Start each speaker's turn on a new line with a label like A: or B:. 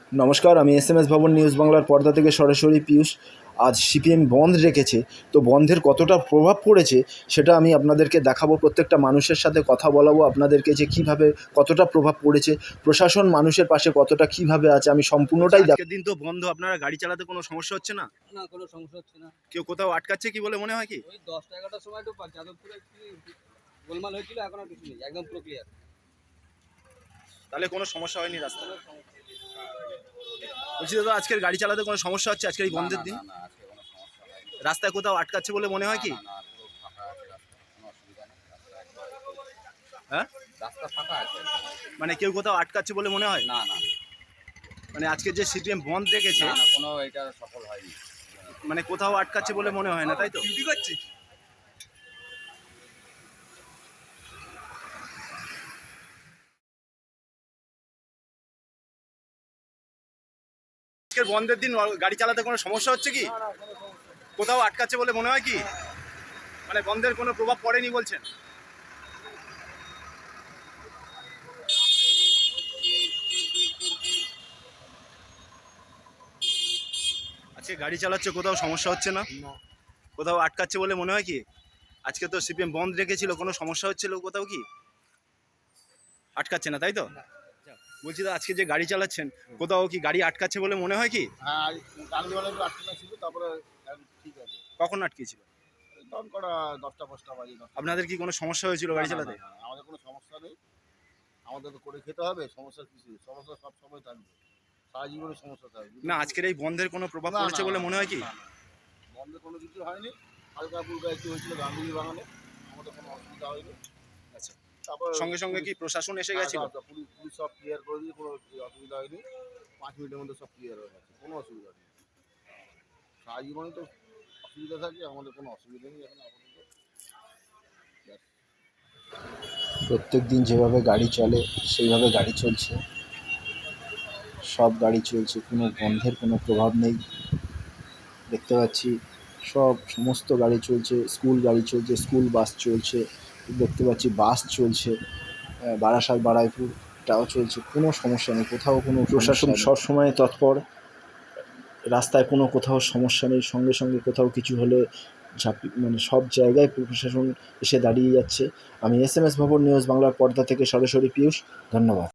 A: নমস্কার, আমি এসএমএস ভবন নিউজ বাংলার পর্দা থেকে সরাসরি পীয়ূষ। আজ সিপিএম বন্ধ রেখেছে, তো বন্ধের কতটা প্রভাব পড়েছে সেটা আমি আপনাদেরকে দেখাবো। প্রত্যেকটা মানুষের সাথে কথা বলাবো আপনাদেরকে যে কীভাবে কতটা প্রভাব পড়েছে, প্রশাসন মানুষের পাশে কতটা কীভাবে আছে, আমি সম্পূর্ণটাই
B: আজকের দিন তো বন্ধ, আপনারা গাড়ি চালাতে কোনো সমস্যা হচ্ছে না?
C: না, কোনো সমস্যা হচ্ছে না।
B: কেউ কোথাও আটকাচ্ছে কি বলে মনে হয় কি?
C: ওই 10টা-11টার সময় একটু যাদবপুরে একটু গোলমাল হয়েছিল, এখন আর কিছু নেই, একদম পুরো ক্লিয়ার।
B: তাহলে কোনো সমস্যা হয়নি রাস্তায়? বলছি দাদা, আজকের গাড়ি চালাতে কোনো সমস্যা হচ্ছে আজকের এই বন্ধের দিন?
C: না, আজকে কোনো সমস্যা হয়নি।
B: রাস্তায় কোথাও আটকাচ্ছে বলে মনে হয় কি?
C: না, পুরো ফাঁকা আছে রাস্তা, কোনো অসুবিধা নেই।
B: হ্যাঁ,
C: রাস্তা ফাঁকা আছে।
B: মানে কেউ কোথাও আটকাচ্ছে বলে মনে হয়?
C: না, না,
B: মানে আজকে যে সিপিএম বন্ধ রেখেছে,
C: না, কোনো এটা সফল হয়নি।
B: মানে কোথাও আটকাচ্ছে বলে মনে হয় না, তাই তো?
C: ডিউটি করছি।
B: আজকের বন্ধের দিন গাড়ি চালাতে কোনো সমস্যা হচ্ছে কি? কোথাও আটকাচ্ছে বলে মনে হয় কি? মানে বন্ধের কোনো প্রভাব পড়েনি বলছেন? আজকে গাড়ি চালাচ্ছে, কোথাও সমস্যা হচ্ছে না? কোথাও আটকাচ্ছে বলে মনে হয় কি? আজকে তো সিপিএম বন্ধ রেখেছিল, কোনো সমস্যা হচ্ছিল কোথাও কি? আটকাচ্ছে না, তাই তো? বলছি দাদা, আজকে যে গাড়ি চালাচ্ছেন, কোথাও কি গাড়ি আটকাচ্ছে বলে মনে হয় কি?
D: হ্যাঁ, গান্ধীওয়ালা একটু আটকানো ছিল, তারপরে এখন ঠিক আছে।
B: কখন আটকেছিল?
D: তখন কটা 10টা বাজে 10টা।
B: আপনাদের কি কোনো সমস্যা হয়েছিল গাড়ি
D: না, না,
B: চালাতে?
D: না, না, আমাদের কোনো সমস্যা নেই। আমাদের তো করে খেতে হবে, সমস্যার কিছু সমস্যা সব সময় থাকবে, সারা জীবনে সমস্যা থাকবে।
B: না, আজকের এই বন্ধের কোনো প্রভাব
D: না,
B: পড়েছে
D: না,
B: বলে
D: না,
B: মনে হয় কি?
D: না, না, বন্ধে কোনো কিছু হয়নি। হালকা ফুলকা একটু হয়েছিল গান্ধী বাগানে, আমাদের কোনো অসুবিধা হয়নি।
B: আচ্ছা,
D: তারপর
B: সঙ্গে সঙ্গে কি প্রশাসন এসে গেছিল?
D: পুলিশ পুলিশ সব ক্লিয়ার করে দিয়ে কোনো অসুবিধা হয়নি। 5 মিনিটের মধ্যে সব ক্লিয়ার হয়ে গেছে, কোনো অসুবিধা নেই। সারা জীবনে তো অসুবিধা থাকে, আমাদের কোনো অসুবিধা নেই এখন আপাতত।
A: প্রত্যেক দিন যেভাবে গাড়ি চলে সেইভাবে গাড়ি চলছে, সব গাড়ি চলছে, কোনো বন্ধের কোনো প্রভাব নেই। দেখতে পাচ্ছি সমস্ত গাড়ি চলছে, স্কুল গাড়ি চলছে, স্কুল বাস চলছে, দেখতে পাচ্ছি বাস চলছে, বারাসাত বারুইপুরটাও চলছে, কোনো সমস্যা নেই, কোথাও কোনো প্রশাসন সবসময় তৎপর, রাস্তায় কোনো কোথাও সমস্যা নেই, সঙ্গে সঙ্গে কোথাও কিছু হলে মানে সব জায়গায় প্রশাসন এসে দাঁড়িয়ে যাচ্ছে। আমি এসএমএস ভবন নিউজ বাংলার পর্দা থেকে সরাসরি পীয়ূষ, ধন্যবাদ।